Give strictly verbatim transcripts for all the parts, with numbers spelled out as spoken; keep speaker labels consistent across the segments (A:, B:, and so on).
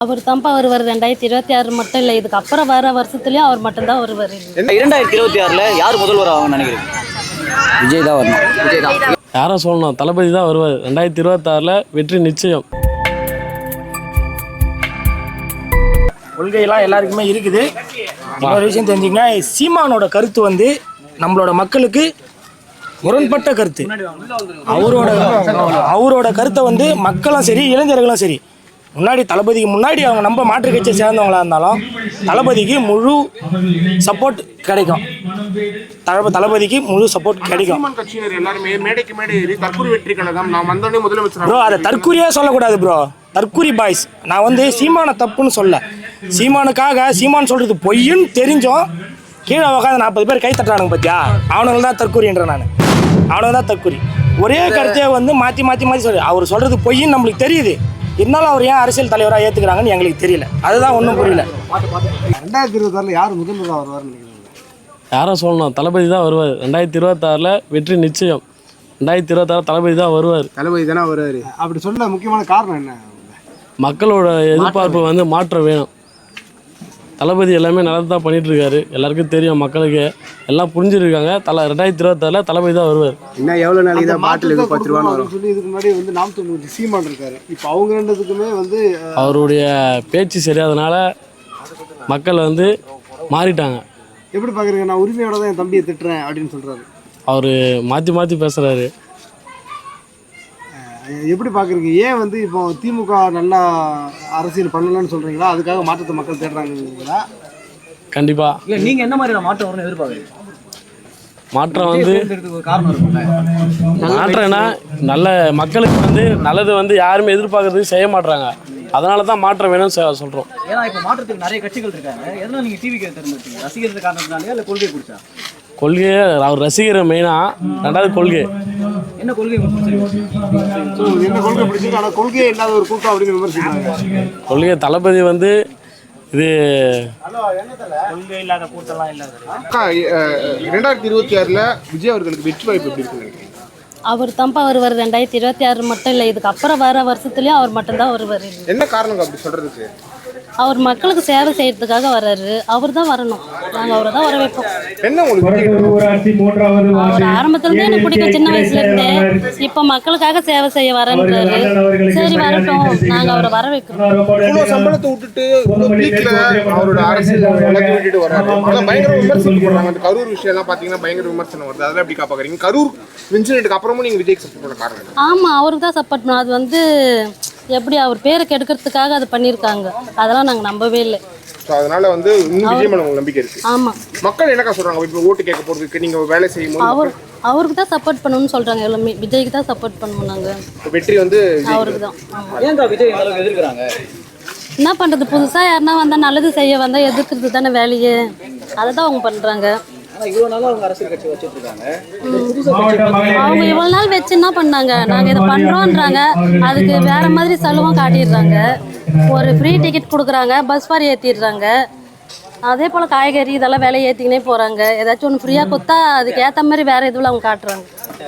A: அவர் தான்ப்பா வருவார். ரெண்டாயிரத்தி இருபத்தி ஆறு மட்டும் இல்லை, இதுக்கு அப்புறம் வர வருஷத்துலயும் அவர் மட்டும்தான் வருவார்.
B: இரண்டாயிரத்தி இருபத்தி ஆறுல யார் முதல்வர் ஆகும்னு நினைக்கிறீங்க?
C: விஜய் தான் வரணும்.
B: விஜய் தான்.
D: யாரை சொல்லணும், தளபதி தான் வருவார். ரெண்டாயிரத்தி இருபத்தாறில் வெற்றி நிச்சயம்.
E: கொள்கையெல்லாம் எல்லாருக்குமே இருக்குது. ஒரு விஷயம் தெரிஞ்சுங்கன்னா, சீமானோட கருத்து வந்து நம்மளோட மக்களுக்கு முரண்பட்ட கருத்து. அவரோட அவரோட கருத்தை வந்து மக்களும் சரி இளைஞர்களும் சரி, முன்னாடி தளபதிக்கு முன்னாடி அவங்க நம்ம மாற்று கட்சியை சேர்ந்தவங்களா இருந்தாலும் தளபதிக்கு முழு சப்போர்ட் கிடைக்கும். தளப தளபதிக்கு முழு சப்போர்ட் கிடைக்கும். ப்ரோ, அதை தற்கூரியாக சொல்லக்கூடாது ப்ரோ. தற்கூரி பாய்ஸ். நான் வந்து சீமான தப்புன்னு சொல்ல, சீமானுக்காக சீமான் சொல்றது பொய்ன்னு தெரிஞ்சோம் கீழே உட்காந்து நாற்பது பேர் கை தட்டுறானுங்க பார்த்தியா, அவனுங்க தான் தற்கூரின்ற. நான் அவனுங்க தான் தற்கூரி. ஒரே கருத்தையே வந்து மாற்றி மாற்றி மாற்றி சொல்லி அவர் சொல்றது பொய்ன்னு நம்மளுக்கு தெரியுது. இருந்தாலும் அவர் ஏன் அரசியல் தலைவராக ஏற்றுக்கிறாங்கன்னு எங்களுக்கு தெரியல. அதுதான் ஒன்றும் புரியல.
F: ரெண்டாயிரத்தி இருபத்தாறில் யார் முதல்வராக வருவார்னு
D: யாரை சொல்லணும், தளபதி தான் வருவார். ரெண்டாயிரத்தி இருபத்தாறில் வெற்றி நிச்சயம். ரெண்டாயிரத்தி இருபத்தாறு தளபதி தான் வருவார்.
F: தளபதி தானே வருவார். அப்படி சொல்ல முக்கியமான காரணம் என்ன?
D: மக்களோட எதிர்பார்ப்பு வந்து மாற்றம் வேணும். தளபதி எல்லாமே நல்லது தான் பண்ணிட்டு இருக்காரு. எல்லாருக்கும் தெரியும், மக்களுக்கு எல்லாம் புரிஞ்சுருக்காங்க. தலை ரெண்டாயிரத்தி இருபத்தாறில் தளபதி தான் வருவார்.
F: இன்னும் எவ்வளோ நாளைக்கு தான் பாட்டில் பத்து ரூபான்னு சொல்லி இதுக்கு முன்னாடி வந்து நாம் தொண்ணூறு சீமான் இருக்காரு. இப்போ அவங்க ரெண்டுத்துக்குமே வந்து
D: அவருடைய பேச்சு சரியாதனால மக்கள் வந்து மாறிட்டாங்க.
F: எப்படி பார்க்குறீங்க? நான் உரிமையோட தான் என் தம்பியை திட்டுறேன் அப்படின்னு சொல்கிறாரு.
D: அவர் மாற்றி மாற்றி பேசுகிறாரு.
F: எப்படி பார்க்குறீங்க? ஏன் வந்து இப்போ திமுக நல்லா அரசியல் பண்ணலான்னு சொல்கிறீங்களா? அதுக்காக மாற்றத்தை மக்கள் தேடுறாங்களா?
D: கண்டிப்பாக.
B: இல்லை, நீங்கள் என்ன மாதிரியான மாற்றம் வரும்னு எதிர்பார்க்குறீங்க?
D: மாற்றம் வந்து
B: காரணம் இருக்கும்ல.
D: மாற்றம்னா நல்ல மக்களுக்கு வந்து நல்லது வந்து யாருமே எதிர்பார்க்கறதுக்கு செய்ய மாட்டாங்க. அதனால தான் மாற்றம் வேணும்னு சொல்கிறோம்.
B: ஏன்னா இப்போ மாற்றத்துக்கு நிறைய கட்சிகள் இருக்காங்க. எதனால் நீங்கள் டிவி தேர்ந்தெடுத்தீங்க? ரசிகர்கள் காரணத்தினாலே இல்லை கொள்கை பிடிச்சா?
D: கொள்கையை அவர் ரசிகர் மெயினாக. ரெண்டாவது கொள்கை.
B: என்ன கொள்கை
F: என்ன கொள்கை பிடிச்சிருக்கு? ஆனால் கொள்கையே இல்லாத ஒரு கூட்டம் அப்படின்னு விமர்சிக்கிறாங்க.
D: கொள்கை தளபதி வந்து இது
E: கொள்கை இல்லாத கூட்டம்லாம் இல்லாத.
F: ரெண்டாயிரத்தி இருபத்தி ஆறில் விஜய் அவர்களுக்கு வெற்றி வாய்ப்பு எப்படி இருக்குன்னு?
A: அவர் தான்ப்பா வருவார். ரெண்டாயிரத்தி இருபத்தி ஆறு மட்டும் இல்லை, இதுக்கு அப்புறம் வர வருஷத்துலயும் அவர் மட்டும்தான் வருவார்.
F: என்ன காரணம் அப்படி சொல்றதுக்கு?
A: அவர் மக்களுக்கு சேவை செய்யறதுக்காக வர்றாரு. அவர் தான் வரணும். நாங்கள் அவரை தான் வர வைப்போம்.
F: என்ன உங்களுக்கு
A: அவர் ஆரம்பத்துல இருந்து எனக்கு பிடிக்கும், சின்ன வயசுல இருந்தே. இப்போ மக்களுக்காக சேவை செய்ய வரன்றாரு. சரி, வரட்டும், நாங்கள் அவரை வர வைக்கிறோம்.
F: சம்பளத்தை விட்டுட்டு அவரோட அரசியல் விட்டுட்டு வர்றாரு. பயங்கர விமர்சனம் பண்றாங்க. அந்த கரூர் விஷயம் எல்லாம் பாத்தீங்கன்னா பயங்கர விமர்சனம் வருது. அதெல்லாம் எப்படி பாக்குறீங்க? கரூர் இன்சிடென்ட்க்கு அப்புறமும் நீங்க விஜய்க்கு சப்போர்ட் பண்ண காரணம்?
A: ஆமா, அவருக்கு தான் சப்போர்ட் பண்ணோம். அது வந்து எப்படி அவர் பேரை கெடுக்கிறதுக்காக அது பண்ணியிருக்காங்க. அதெல்லாம் நாங்கள் நம்பவே இல்லை.
F: அதனால வந்து இன்னும் விஜய் மேல நம்பிக்கை இருக்கு. ஆமா, மக்கள் என்னக்கா சொல்றாங்க? இப்போ ஓட்டு கேட்க போறதுக்கு நீங்க வேலை செய்யும்
A: அவர் அவருக்கு தான் சப்போர்ட் பண்ணணும்னு சொல்றாங்க. எல்லாமே விஜய்க்கு தான் சப்போர்ட் பண்ணுவோம் நாங்க.
F: வெற்றி வந்து
A: அவருக்கு தான்.
B: ஏங்க விஜய் அளவுக்கு எதிர்க்கிறாங்க?
A: என்ன பண்றது, புதுசா யாருன்னா வந்தா நல்லது செய்ய வந்தா எதிர்க்கிறது தானே வேலையே. அதை தான் அவங்க பண்றாங்க. அவங்க இவ்வளவு நாள் வச்சு என்ன பண்ணாங்க? நாங்க இதை பண்றோம்ன்றாங்க, அதுக்கு வேற மாதிரி செலவும் காட்டிடுறாங்க. ஒரு ஃப்ரீ டிக்கெட் கொடுக்குறாங்க, பஸ் ஃபார் ஏற்றிடுறாங்க. அதே போல காய்கறி இதெல்லாம் விலை ஏற்றிக்கினே போறாங்க. ஏதாச்சும் ஒன்று ஃப்ரீயா கொடுத்தா அதுக்கு ஏற்ற மாதிரி வேற எதுவும் அவங்க காட்டுறாங்க.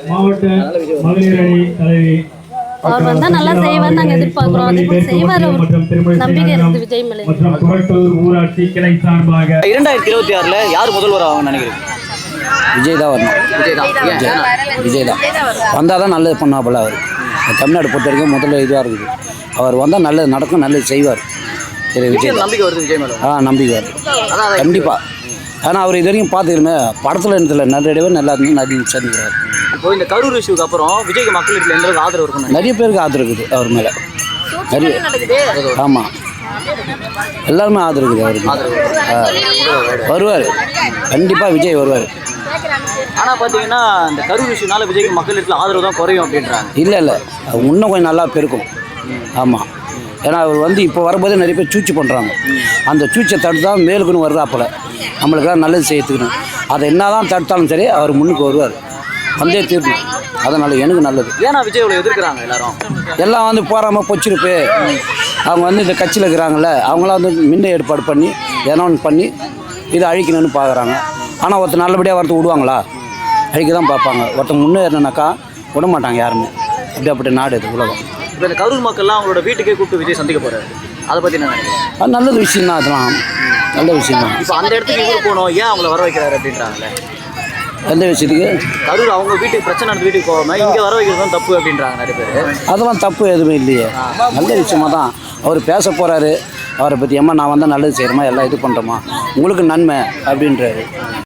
A: அவர் வந்தா நல்லா செய்வார், நாங்க எதிர்பார்க்கிறோம். அதே போல செய்வார், நம்பிக்கை இருக்குது விஜய் மேலே.
B: இரண்டாயிரத்தி இருபத்தி ஆறுல யார் முதல்வர் ஆகும்னு நினைக்கிறீங்க?
C: விஜய் தான் வரணும்.
B: விஜய் தான்.
C: விஜய் தான் வந்தால் தான் நல்லது பண்ணாப்புல. அவர் தமிழ்நாடு பொறுத்த வரைக்கும் முதல்ல இதுவாக இருக்குது. அவர் வந்தால் நல்லது நடக்கும், நல்லது செய்வார். சரி, விஜய்
B: நம்பிக்கை வருது விஜய் மேலே.
C: ஆ நம்பிக்கை வருது கண்டிப்பாக. ஆனால் அவர் இது வரைக்கும் பார்த்துக்கிறமே படத்தில் இடத்துல நிறைய பேர் நல்லா இருந்து நிறைய சேர்ந்துக்கிறார்.
B: இப்போ இந்த கரூர் இஷ்யூக்கு அப்புறம் விஜய்க்கு மக்களுக்கு எந்த அளவுக்கு ஆதரவு இருக்கும்?
C: நிறைய பேருக்கு ஆதரவு இருக்குது அவர் மேலே. நிறைய ஆமாம், எல்லாருமே ஆதரவு இருக்குது அவருக்கு. வருவார் கண்டிப்பாக, விஜய் வருவார்.
B: ஆனால் பார்த்தீங்கன்னா இந்த கரூர் இஷ்யூனால விஜய்க்கு மக்களுக்கு ஆதரவு தான் குறையும் அப்படின்றாங்க.
C: இல்லை இல்லை, இன்னும் கொஞ்சம் நல்லா பெருக்கும். ஆமாம், ஏன்னா அவர் வந்து இப்போ வரும்போதே நிறைய பேர் சூழ்ச்சி பண்ணுறாங்க. அந்த சூழ்ச்சியை தடுத்து தான் மேலுக்குன்னு வருதாப்பில். நம்மளுக்கெல்லாம் நல்லது செய்யறதுக்குன்னு அதை என்ன தான் தடுத்தாலும் சரி அவர் முன்னுக்கு வருவார். வந்தே தீர்ணும். அதனால் எனக்கு நல்லது.
B: ஏன்னா விஜய் இவ்வளோ எதிர்க்கிறாங்க எல்லாரும்?
C: எல்லாம் வந்து போகாமல் பொச்சிருப்பு. அவங்க வந்து இந்த கட்சியில் இருக்கிறாங்கல்ல, அவங்களாம் வந்து மின்ன ஏற்பாடு பண்ணி ஏன்னா ஒன்று பண்ணி இதை அழிக்கணும்னு பார்க்குறாங்க. ஆனால் ஒருத்தர் நல்லபடியாக வரத்து விடுவாங்களா? அழிக்க தான் பார்ப்பாங்க. ஒருத்தர் முன்னேறினாக்கா விட மாட்டாங்க யாருமே. அப்படி அப்படி நாடு இது உலகம்.
B: இப்போ இந்த கரூர் மக்கள்லாம் அவங்களோட வீட்டுக்கே கூப்பிட்டு விஜய் சந்திக்க போகிறாரு. அதை பத்தி என்ன நினைக்கிறீங்க?
C: அது நல்ல விஷயம் தான், அதெல்லாம் நல்ல விஷயம் தான்.
B: இப்போ அந்த இடத்துக்கு இவர் போகணும், ஏன் அவங்கள வர வைக்கிறாரு அப்படின்றாங்கல்ல.
C: எந்த விஷயத்துக்கு?
B: கரூர் அவங்க வீட்டுக்கு பிரச்சனை நடந்து வீட்டுக்கு போகாம இங்க வர வைக்கிறது தான் தப்பு அப்படின்றாங்க நிறைய பேர்.
C: அதெல்லாம் தப்பு எதுவுமே இல்லையே, நல்ல விஷயமா தான் அவர் பேச போகிறாரு. அவரை பற்றி அம்மா நான் வந்தால் நல்லது செய்கிறோமா, எல்லாம் இது பண்ணுறோமா, உங்களுக்கு நன்மை அப்படின்றாரு.